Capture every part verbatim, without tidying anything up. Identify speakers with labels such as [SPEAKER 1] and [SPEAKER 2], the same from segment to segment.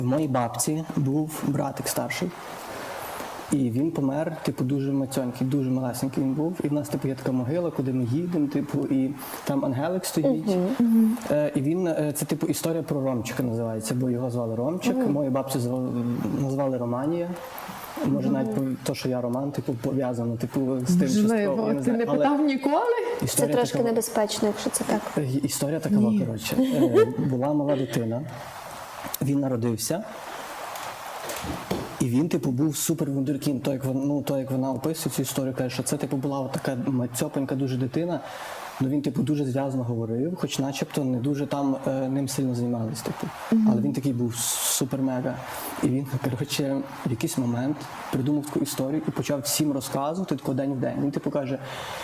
[SPEAKER 1] В моїй бабці був братик старший. І він помер, типу, дуже мацьонький, дуже малесенький він був. І в нас, типу, є така могила, куди ми їдемо, типу, і там ангелик стоїть. Uh-huh. Uh-huh. Е, і він, це, типу, історія про Ромчика називається, бо його звали Ромчик. Uh-huh. Мою бабцю звали, назвали Романія. Може, uh-huh. навіть те, що я Роман, типу, пов'язано, типу, з тим, що
[SPEAKER 2] Можливо, ти не питав але... ніколи?
[SPEAKER 3] Це трошки така... небезпечно, якщо це так.
[SPEAKER 1] Історія така, коротше. Е, була мала дитина, він народився. І він, типу, був супер вундеркінд. То, як вона, ну, то, як вона описує цю історію, каже, що це, типу, була така мацьопенька дуже дитина. Ну, він, типу, дуже зв'язно говорив, хоч начебто не дуже там е, ним сильно займались, типу. Mm-hmm. Але він такий був супер-мега. І він, коротше, в якийсь момент придумав таку історію і почав всім розказувати, тако день в день. Він, типу, каже,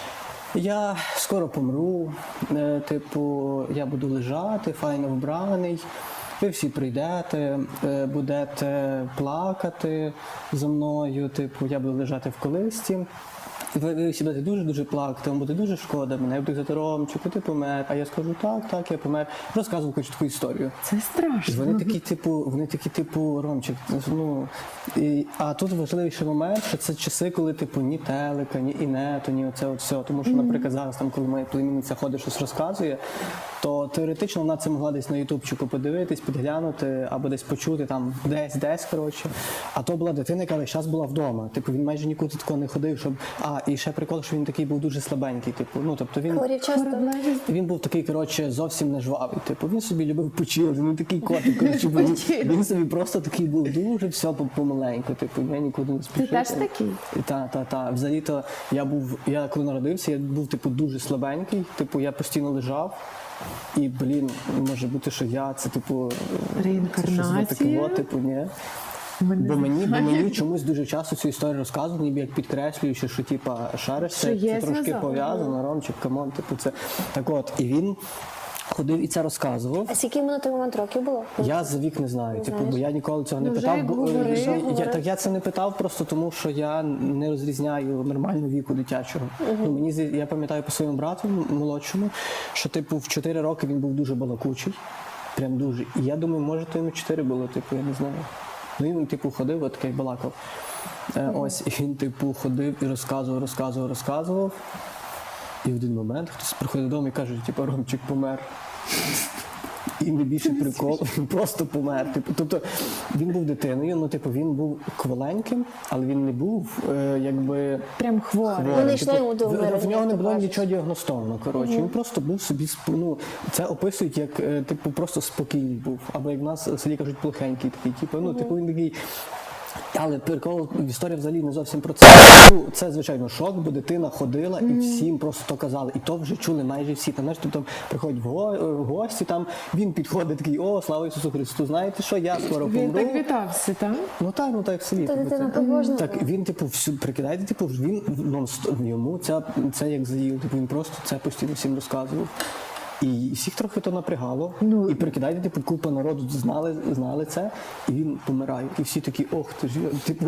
[SPEAKER 1] я скоро помру, е, типу, я буду лежати, файно вбраний. Ви всі прийдете, будете плакати зі мною, типу, я буду лежати в колисці. Ви, ви всі будете дуже-дуже плакати, вам буде дуже шкода мене, я буду казати, Ромчику, ти помер. А я скажу, так, так, я помер. Розказував хоч таку історію.
[SPEAKER 2] Це страшно.
[SPEAKER 1] І вони такі, типу, вони такі, типу, Ромчик, ну, і, а тут важливіший момент, що це часи, коли, типу, ні телека, ні інету, ні оце от все. Тому що, наприклад, зараз, там, коли моя племінниця ходить, щось розказує, то теоретично вона це могла десь на ютубчику подивитись, підглянути, або десь почути, там, десь, десь, коротше. А то була дитина, яка весь час була вдома. Типу, він майже нікуди такого не ходив, щоб... А, і ще прикол, що він такий був дуже слабенький, типу, ну, тобто він... Він був такий, коротше, зовсім не жвавий, типу, він собі любив почилити, він такий котик, коротше, він, він собі просто такий був дуже все помаленьку, типу, я нікуди не спішив.
[SPEAKER 2] Ти теж такий?
[SPEAKER 1] Так, так, так. Взагалі-то я був, я коли народився, я був, типу, дуже слабенький, типу, я постійно лежав. І, блін, може бути, що я, це, типу,
[SPEAKER 2] реінкарнація?
[SPEAKER 1] Це таке, типу, ні. Бо мені, бо мені чомусь дуже часто цю історію розказують, ніби як підкреслюючи, що, типа, шариш, це, це трошки пов'язано, Ромчик, камон, типу, це, так от, і він ходив і це розказував.
[SPEAKER 3] А скільки йому на той момент років було?
[SPEAKER 1] Я за вік не знаю, типу, бо я ніколи цього не
[SPEAKER 2] ну,
[SPEAKER 1] питав. Бо,
[SPEAKER 2] говорив,
[SPEAKER 1] я,
[SPEAKER 2] говорив.
[SPEAKER 1] Я, так я це не питав просто тому, що я не розрізняю нормального віку дитячого. Uh-huh. Ну, мені, я пам'ятаю по своєму брату молодшому, що, типу, в чотири роки він був дуже балакучий, прям дуже. І я думаю, може, то йому чотири було, типу, я не знаю. Ну, він, типу, ходив, от такий балакав. Е, ось, і він, типу, ходив і розказував, розказував, розказував. І в один момент хтось приходить додому і каже, типу, Ромчик помер. І найбільший прикол, він просто помер. Типу, тобто, він був дитиною, ну, типу, він був кволеньким, але він не був, е, якби...
[SPEAKER 2] Прям хворий.
[SPEAKER 3] Вони йшли йому до
[SPEAKER 1] вмирання. В нього не було
[SPEAKER 3] кажуть.
[SPEAKER 1] нічого діагностовано, коротше. Він просто був собі, ну, це описують як, е, типу, просто спокійний був. Або як в нас в селі кажуть, плохенький такий, типу, ну, типу, він такий... Але прикол, історія взагалі не зовсім про це. Ну, це, звичайно, шок, бо дитина ходила і всім просто то казали. І то вже чули майже всі. Там, знаєш, там приходять в го- в гості, там він підходить такий, о, слава Ісусу Христу, знаєте що, я скоро помру.
[SPEAKER 2] Він так вітався, так?
[SPEAKER 1] Ну так, ну так в селі.
[SPEAKER 3] Та
[SPEAKER 1] типу,
[SPEAKER 3] дитина
[SPEAKER 1] це.
[SPEAKER 3] побожна
[SPEAKER 1] Так,
[SPEAKER 3] була.
[SPEAKER 1] він, типу, всю, прикидайте, типу, він, ну, йому це, це як заїв, типу, він просто це постійно всім розказував. І всіх трохи то напрягало. Ну, і прикидайте, типу, купа народу знали, знали це, і він помирає. І всі такі, ох, ти ж, типу,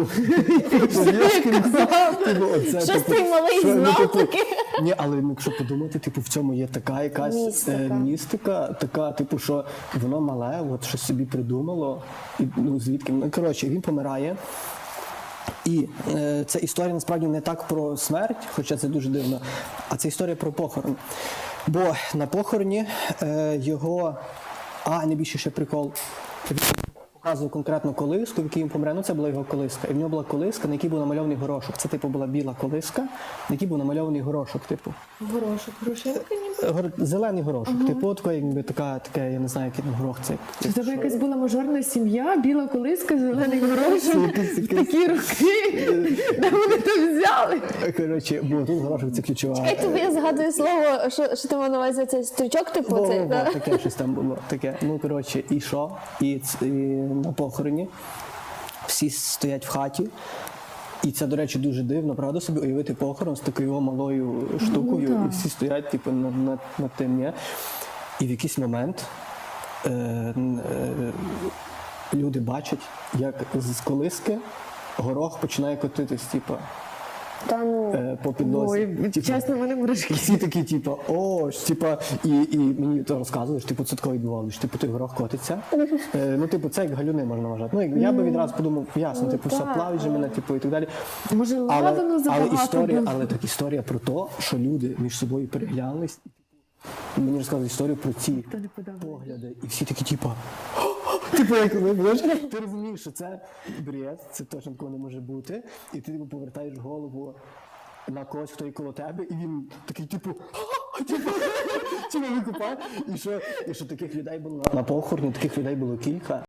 [SPEAKER 3] Щось ти малий знав таки.
[SPEAKER 1] Ні, але якщо подумати, типу, в цьому є така якась
[SPEAKER 3] Містика.
[SPEAKER 1] містика, така, типу, що воно мале, от щось собі придумало, і, ну, звідки, ну, коротше, він помирає. І е, ця історія насправді не так про смерть, хоча це дуже дивно, а це історія про похорон. Бо на похороні е, його, а найбільше ще прикол, він показував конкретно колиску, в якій він помре, ну це була його колиска. І в нього була колиска, на якій був намальований горошок. Це, типу, була біла колиска, на якій був намальований горошок, типу.
[SPEAKER 2] Горошок, горошинка ніби?
[SPEAKER 1] Гор... Зелений горошок, ага. Типу, така, якби така, таке, я не знаю, який там горох це.
[SPEAKER 2] Це в тебе якась була мажорна сім'я, біла колиска, зелений горошок, в такі роки, де вони то взяли?
[SPEAKER 1] Коротше, бо тут горошок це ключова.
[SPEAKER 3] Я тобі я згадую слово, що, що ти мав на увазі цей стрічок, типу,
[SPEAKER 1] Во,
[SPEAKER 3] цей,
[SPEAKER 1] во, во,
[SPEAKER 3] да?
[SPEAKER 1] таке щось там було. Таке. Ну, коротше, і що? І, ц- і на похороні всі стоять в хаті. І це, до речі, дуже дивно, правда, собі уявити похорон з такою малою штукою,
[SPEAKER 2] Ну,
[SPEAKER 1] і всі стоять, типу, над, над, над тим, ні? І в якийсь момент е, е, люди бачать, як з колиски горох починає котитись, типу.
[SPEAKER 3] Та ну.
[SPEAKER 1] е, по підносі.
[SPEAKER 2] Ой,
[SPEAKER 1] Типу,
[SPEAKER 2] чесно, в мене мурашки.
[SPEAKER 1] і всі такі, типу, о, ж, типу, і, і мені то розказуєш, типу, це таке відбувалося, типу, той горох котиться. Е, ну, типу, це як галюни можна вважати. Ну, як- я би відразу подумав, ясно, типу, все
[SPEAKER 3] так.
[SPEAKER 1] плавить же мене, типу, і так далі.
[SPEAKER 2] Може,
[SPEAKER 1] Але,
[SPEAKER 2] ладано
[SPEAKER 1] але
[SPEAKER 2] забагато
[SPEAKER 1] історія,
[SPEAKER 2] було?
[SPEAKER 1] але так історія про те, що люди між собою переглянулись, і, типу, мені розказують історію про ці
[SPEAKER 2] не подобається.
[SPEAKER 1] погляди, і всі такі, типу, типу, як ви, знаєш, ти розумієш, що це бред, це точно такого не може бути, і ти типу, повертаєш голову на когось, хто є коло тебе, і він такий, типу, типу, типу викупає. І що, і що таких людей було на похороні, таких людей було кілька.